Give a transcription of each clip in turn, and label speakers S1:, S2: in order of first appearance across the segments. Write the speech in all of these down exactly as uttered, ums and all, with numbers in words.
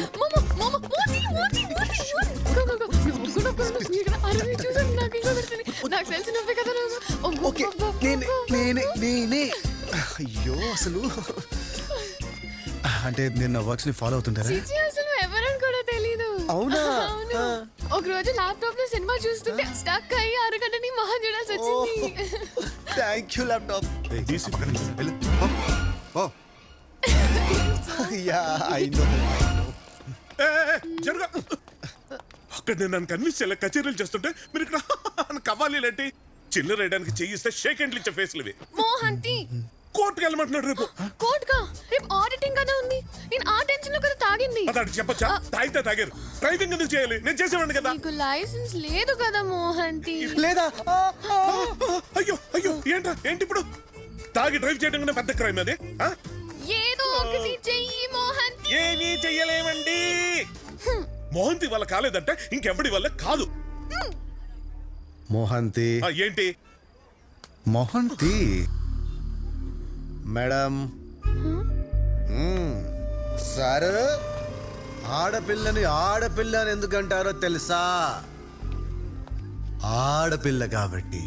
S1: అయ్యో అసలు అంటే నేను నా వర్క్స్ ని ఫాలో అవుతుంటారా?
S2: ఎవరని కూడా తెలీదు.
S1: అవునా?
S2: ఒక రోజు ల్యాప్టాప్ లో సినిమా చూస్తుంటే స్టక్ అయ్యి అరగంటని మహా చూడాల్సి వచ్చింది.
S1: Thank you laptop. Yeah I know.
S3: జరుగా అక్కడ నేను నన్ను కన్విన్స్ చేయాలి. కచేరీలు చేస్తుంటే మీరు ఇక్కడ కవ్వాలి లాంటి చిల్లర వేయడానికి చేయిస్తే షేక్ హ్యాండ్లు ఇచ్చే ఫేస్లు ఇవి.
S2: మోహంతి
S3: కోర్టుకు వెళ్ళమంటున్నాడు రేపు.
S2: కోర్టుకా? రేపు ఆడిటింగ్ కదా ఉంది. నేను ఆ టెన్షన్ లో కదా తాగింది.
S3: అదాడు చెప్పచ్చా? తాగితే తాగారు. డ్రైవింగ్ ఎందుకు చేయాలి? నేను చేసేవాడిని కదా.
S2: నీకు లైసెన్స్ లేదు కదా మోహంతి.
S1: లేదా?
S3: అయ్యో అయ్యో ఏంటా ఏంటి ఇప్పుడు? తాగి డ్రైవ్ చేయడం కన్నా పెద్ద క్రైమ్ అది.
S2: ఏదో ఒకటి చెయ్యి మోహంతి.
S3: ఏమీ చెయ్యలేమండి. మోహంతి వల్ల కాలేదంటే ఇంకెవడి వల్ల కాదు.
S1: మోహంతి
S3: ఏంటి?
S1: మోహంతి మేడం సార్, ఆడపిల్లని ఆడపిల్ల అని ఎందుకంటారో తెలుసా? ఆడపిల్ల కాబట్టి.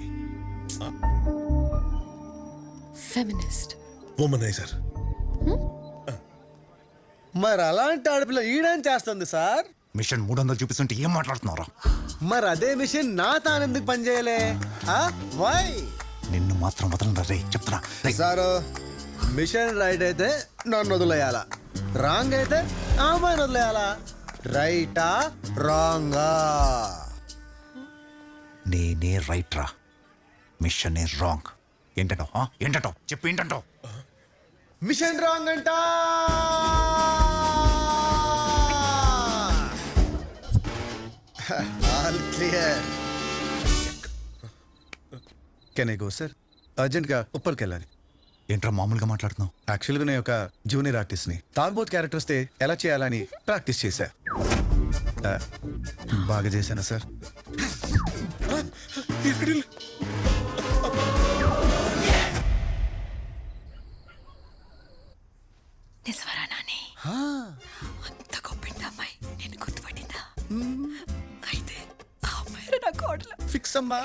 S2: Feminist,
S3: womaniser.
S1: మరి అలాంటి ఆడపిల్ల ఈడేం చేస్తుంది సార్?
S4: మిషన్ మూడు వందలు చూపిస్తుంటే ఏం మాట్లాడుతున్నారా?
S1: మరి అదే మిషన్ నా తానెందుకు పనిచేయలే? వై?
S4: నిన్ను మాత్రం వదలరా రే, చెప్తున్నా.
S1: సారు, మిషన్ రైట్ అయితే నన్ను వదిలేయాలా, రాంగ్ అయితే అమ్మాయిని వదిలేయాలా? రైటా రాంగా?
S4: నేనే రైట్ రా, మిషన్ రాంగ్. ఏంటంటో ఏంటంటో చెప్పు, ఏంటంటో?
S1: మిషన్ రాంగ్ అంట. All clear. Can I go sir? అర్జెంట్గా ఉప్పర్కి వెళ్ళాలి.
S4: ఏంట్రా మామూలుగా మాట్లాడుతున్నావు?
S1: యాక్చువల్గా నేను ఒక జూనియర్ ఆర్టిస్ట్ని. తాంబోత్ క్యారెక్టర్ వస్తే ఎలా చేయాలని ప్రాక్టీస్ చేశా. బాగా చేశానా సార్?
S2: నిజవరా నాని? అంత గొప్పింటి అమ్మాయి నేను గుర్తుపట్టిందా? అయితే ఆ అమ్మాయి నా కోడలు.
S1: ఫిక్స్ అమ్మా.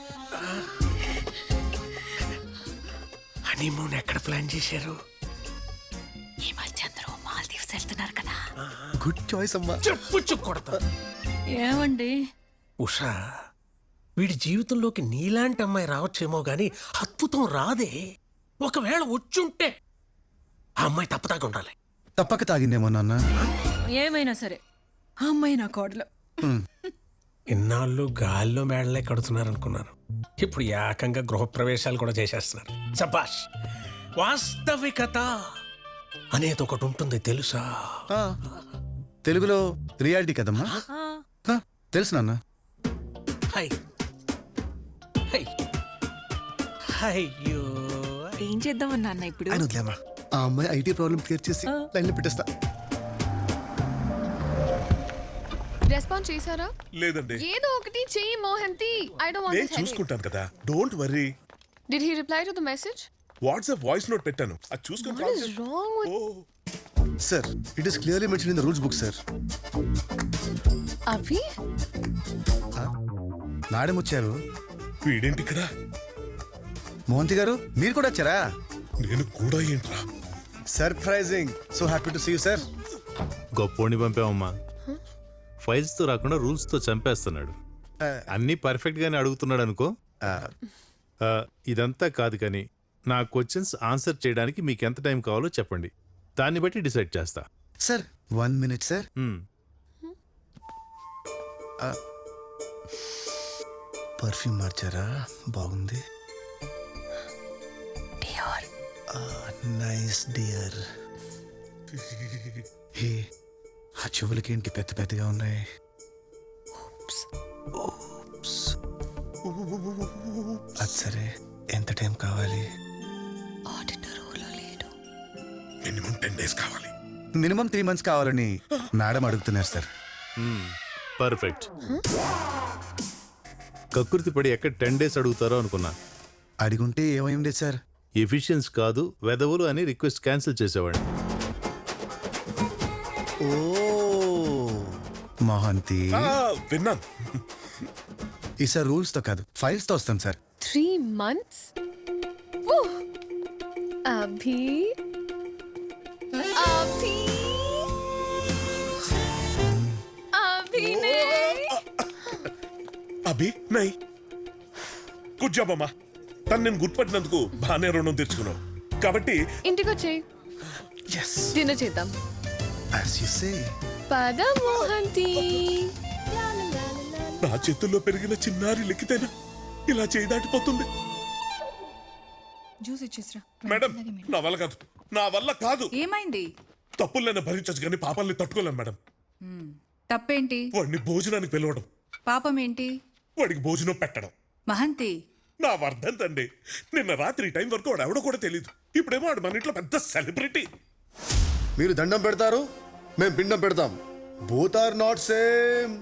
S3: హనీమూన్ ఎక్కడ ప్లాన్ చేశారు?
S2: ఈ మధ్య అందరూ మాల్దీవ్స్ వెళ్తున్నారు కదా.
S1: గుడ్ చాయిస్ అమ్మా.
S3: చెప్పు కొడతా.
S2: ఏమండి
S5: ఉషా, వీడి జీవితంలోకి నీలాంటి అమ్మాయి రావచ్చేమో గాని అద్భుతం రాదే. ఒకవేళ వచ్చుంటే ఆ అమ్మాయి తప్పదాకా ఉండాలి.
S1: తప్పక తాగిందేమో నాన్న.
S2: ఏమైనా సరే ఆ అమ్మాయి నా కోడలు.
S5: ఇన్నాళ్ళు గాల్లో మేడలే కడుతున్నారనుకున్నాను. ఇప్పుడు ఏకంగా గృహప్రవేశాలు కూడా చేసేస్తున్నారు. సబాష్. వాస్తవికత అనేది ఒకటి ఉంటుంది తెలుసా?
S1: తెలుగులో రియాలిటీ కదమ్మా. తెలుసు నాన్న.
S5: హై హై అయ్యో,
S2: ఏం చేద్దామన్నా అన్న ఇప్పుడు?
S1: వదిలేమ్మా, ఆ అమ్మాయి ఐటీ ప్రాబ్లం క్లియర్ చేసి లైన్లో పెట్టేస్తా.
S2: రెస్పాన్స్ చేశారా?
S3: లేదండి.
S2: ఏదో ఒకటి చెయ్యి మోహంతి. ఐ డోంట్ వాంట్
S3: నేను
S2: దిస్ హెడేక్.
S3: చూసుకుంటాను కదా, don't worry.
S2: Did he reply to the message?
S3: WhatsApp voice note పెట్టాను, అది చూసుకొని
S2: what is wrong with
S1: sir? It is clearly mention in the rules book sir.
S2: Abhi?
S1: Madam వచ్చారు.
S3: వీడేంటి ఇక్కడ?
S1: మోహంతి గారు మీరు కూడా వచ్చారా?
S3: నేను కూడా ఏంట్రా?
S1: Surprising. So happy to see you sir.
S6: గొప్పోడిని పంపామమ్మా. ఫైల్స్ తో రాకుండా రూల్స్ తో చంపేస్తున్నాడు. అన్ని పర్ఫెక్ట్ గానే అడుగుతున్నాడు అనుకో. ఇదంతా కాదు కానీ నా క్వశ్చన్స్ ఆన్సర్ చేయడానికి మీకు ఎంత టైం కావాలో చెప్పండి, దాన్ని బట్టి డిసైడ్ చేస్తా.
S1: Sir one minute sir. Perfume మార్చారా? బాగుంది. Nice dear. హే, ఆ చెవులకి ఏంటి పెద్ద పెద్దగా ఉన్నాయి? అది సరే, ఎంత టైం కావాలి?
S3: మినిమం టెన్ డేస్ కావాలి.
S1: మినిమం త్రీ మంత్స్ కావాలని మేడం అడుగుతున్నారు సార్.
S6: పర్ఫెక్ట్. కకృతి పడి ఎక్కడ టెన్ డేస్ అడుగుతారో అనుకున్నా.
S1: అడిగుంటే ఏమైంది సార్?
S6: ఎఫిషియన్స్ కాదు వెదవులు అని రిక్వెస్ట్ క్యాన్సిల్ చేసేవాడిని.
S1: ఓ మోహంతి
S3: ఆ, విన్నాను.
S1: ఈసారి రూల్స్ తో కాదు ఫైల్స్ తో వస్తాం సార్.
S2: త్రీ మంత్స్ అభి అభి అభినయ్
S3: అభి నై గుడ్ జాబ్ అమ్మా. తను నేను గుర్తుపట్టినందుకు బాగానే రుణం తెచ్చుకున్నావు కాబట్టి
S2: ఇంటికి వచ్చేయి
S1: ఎస్
S2: డిన్నర్ చేద్దాం.
S1: As you say.
S2: పద మోహంతి.
S3: నా చేతుల్లో పెరిగిన చిన్నారి లిక్కితేనా ఇలా చేయి దాటిపోతుంది.
S7: జ్యూస్ ఇచ్చేసిరా.
S3: మేడం నా వల్ల కాదు, నా వల్ల కాదు.
S7: ఏమైంది?
S3: తప్పులైనా భరించచ్చు కానీ పాపాలని తట్టుకోలేం మేడం.
S7: తప్పేంటి?
S3: వాడిని భోజనానికి పిలవడం,
S7: పాపం ఏంటి?
S3: వాడికి భోజనం పెట్టడం
S7: మహంతి,
S3: నా వర్ధంతండి. నిన్న రాత్రి ఈ టైం వరకు వాడు ఎవడో కూడా తెలియదు. ఇప్పుడేమో వాడు మన ఇంట్లో పెద్ద సెలబ్రిటీ.
S8: మీరు దండం పెడతారు, మేము పిండం పెడతాం. Both are not same.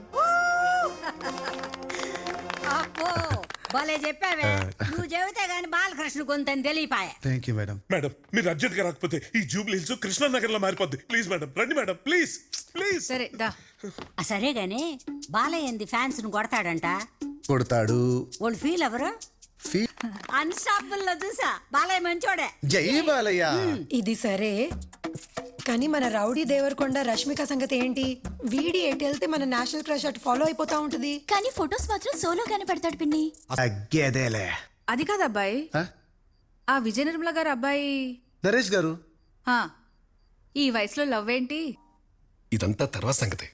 S9: అబ్బో భలే చెప్పావే. నువ్వు చెబితే గాని బాలకృష్ణ కొంతని తెలియపాయే.
S1: Thank you madam.
S3: మేడం మీరు అర్జెంట్ గా రాకపోతే ఈ జూబ్లీ హిల్స్ కృష్ణానగర్ లో మారిపోద్ది. ప్లీజ్ మేడం రండి మేడం, ప్లీజ్ ప్లీజ్.
S7: సరే దా.
S9: ఆ, సరే గాని బాలయ్యంది ఫ్యాన్స్ ను కొడతాడంట.
S1: కొడతాడు.
S9: వాళ్ళు ఫీల్ ఎవరు?
S1: ఫీ-
S9: అన్స్టాపుల్ లో చూసా బాలయ్య మంచోడే.
S1: జై బాలయ్య.
S10: ఇది సరే కానీ మన రౌడీ దేవరకొండ రష్మిక సంగతి ఏంటి? వీడి ఎటు వెళ్తే మన నేషనల్ క్రష్ అటు ఫాలో అయిపోతా ఉంటది.
S2: కానీ ఫొటోస్ మాత్రం సోలోగానే పెడతాడు పిన్ని.
S1: అగ్గేదేలే.
S7: అది కాదు అబ్బాయి,
S1: ఆ?
S7: ఆ విజయ నిర్మల గారు అబ్బాయి.
S1: నరేష్ గారు
S7: ఆ, ఈ వయసులో లవ్ ఏంటి?
S11: ఇదంతా తర్వాత సంగతి.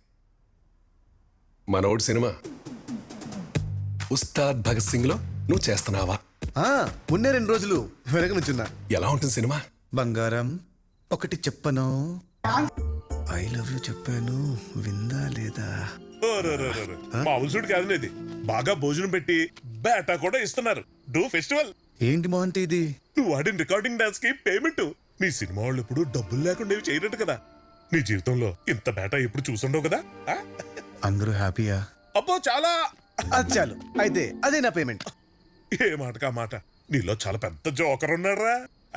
S11: మనోడు సినిమా ఉస్తాద్ భగత్ సింగ్ లో నువ్వు చేస్తున్నావా?
S1: ఆ, ఉన్నే రెండు రోజులు వెనక నుంచున్నా.
S11: ఎలా ఉంటుంది సినిమా?
S1: బంగారం ఒకటి చెప్పను, ఐ లవ్ యూ చెప్పాను, విందా లేదా?
S3: ఓ, రే, రే, రే, రే. మా అవసరుడు కాదు ఇది. బాగా భోజనం పెట్టి బేటా కూడా ఇస్తున్నారు. డూ ఫెస్టివల్.
S1: ఏంటి మోహంతి ఇది?
S3: నువ్వు ఆడిన రికార్డింగ్ డాన్స్ కి పేమెంట్. మీ సినిమా వాళ్ళు ఎప్పుడు డబ్బులు లేకుండా ఇవి చేయనట్టు కదా. నీ జీవితంలో ఇంత బేటా ఎప్పుడు చూసుండవు కదా. ఆ?
S1: అందరూ హ్యాపీయా?
S3: అబ్బో చాలా.
S1: అది చాలు అయితే అదే నా పేమెంట్.
S3: ఏ మాటకా మాట, నీలో చాలా పెద్ద జోకర్ ఉన్నారా.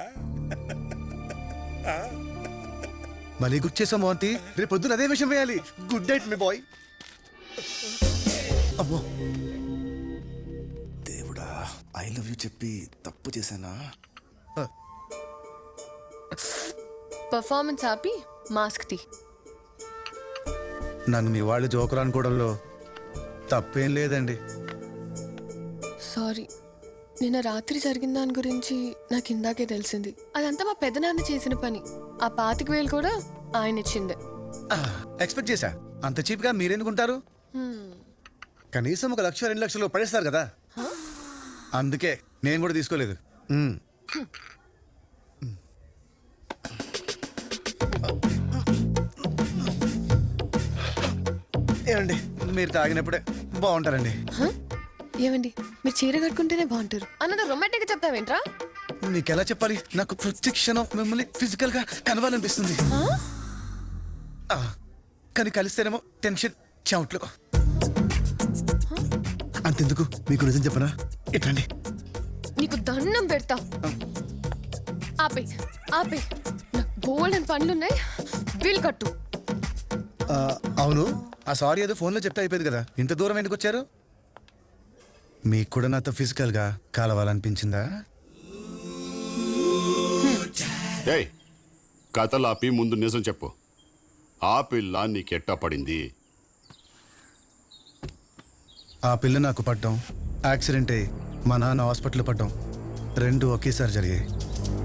S1: మళ్ళీ గుర్తు చేసాం మోహంతి, రేపు పొద్దున అదే విషయం వేయాలి. గుడ్ నైట్ మీ బాయ్. అమ్మో దేవుడా, ఐ లవ్ యూ చెప్పి తప్పు చేశానా?
S2: పర్ఫార్మెన్స్ ఆపి మాస్క్ తీ.
S1: నన్ను మీ వాళ్ళు జోకర్ అనుకోవడంలో తప్పేం లేదండి.
S2: సారీ, నిన్న రాత్రి జరిగిన దాని గురించి నాకు ఇందాకే తెలిసింది. అదంతా మా పెద్దనాన్న చేసిన పని. ఆ పాతిక వేలు కూడా ఆయన ఇచ్చిందే.
S1: ఎక్స్పెక్ట్ చేశా. అంత చీప్ గా మీరెందుకుంటారు? కనీసం ఒక లక్ష రెండు లక్షలు పడేస్తారు కదా, అందుకే నేను కూడా తీసుకోలేదు. మ్మ్. ఏమండి మీరు తాగినప్పుడే బాగుంటారండి.
S2: హ? ఏమండి మీరు చీర కట్టుకుంటేనే బాగుంటారు అన్నది రొమాంటిక్ గా చెప్తావేంట్రా?
S1: నీకెలా చెప్పాలి? నాకు ప్రతి క్షణం మిమ్మల్ని ఫిజికల్ గా కలవాలనిపిస్తుంది. ఆ, కానీ కలిస్తేనేమో టెన్షన్ చెమట్లు. అంతెందుకు, మీకు నిజం చెప్పనా? ఎట్లండి,
S2: నీకు దండం పెడతా. ఆపే ఆపే, నాకు బోల్డెన్ పనులున్నాయి. బిల్ కట్టు.
S1: ఆ, అవును, ఆ సారీ ఏదో ఫోన్లో చెప్తే అయిపోయింది కదా, ఇంత దూరం ఎందుకు వచ్చారు? మీకు కూడా నాతో ఫిజికల్ గా కలవాలనిపించిందా?
S12: ఏయ్, కథలాపి ముందు నిజం చెప్పు. ఆ పిల్ల నీకెట్టా పడింది?
S1: ఆ పిల్ల నాకు పడ్డం, యాక్సిడెంట్ అయ్యి మా నాన్న హాస్పిటల్ పడ్డం రెండు ఒకేసారి జరిగాయి.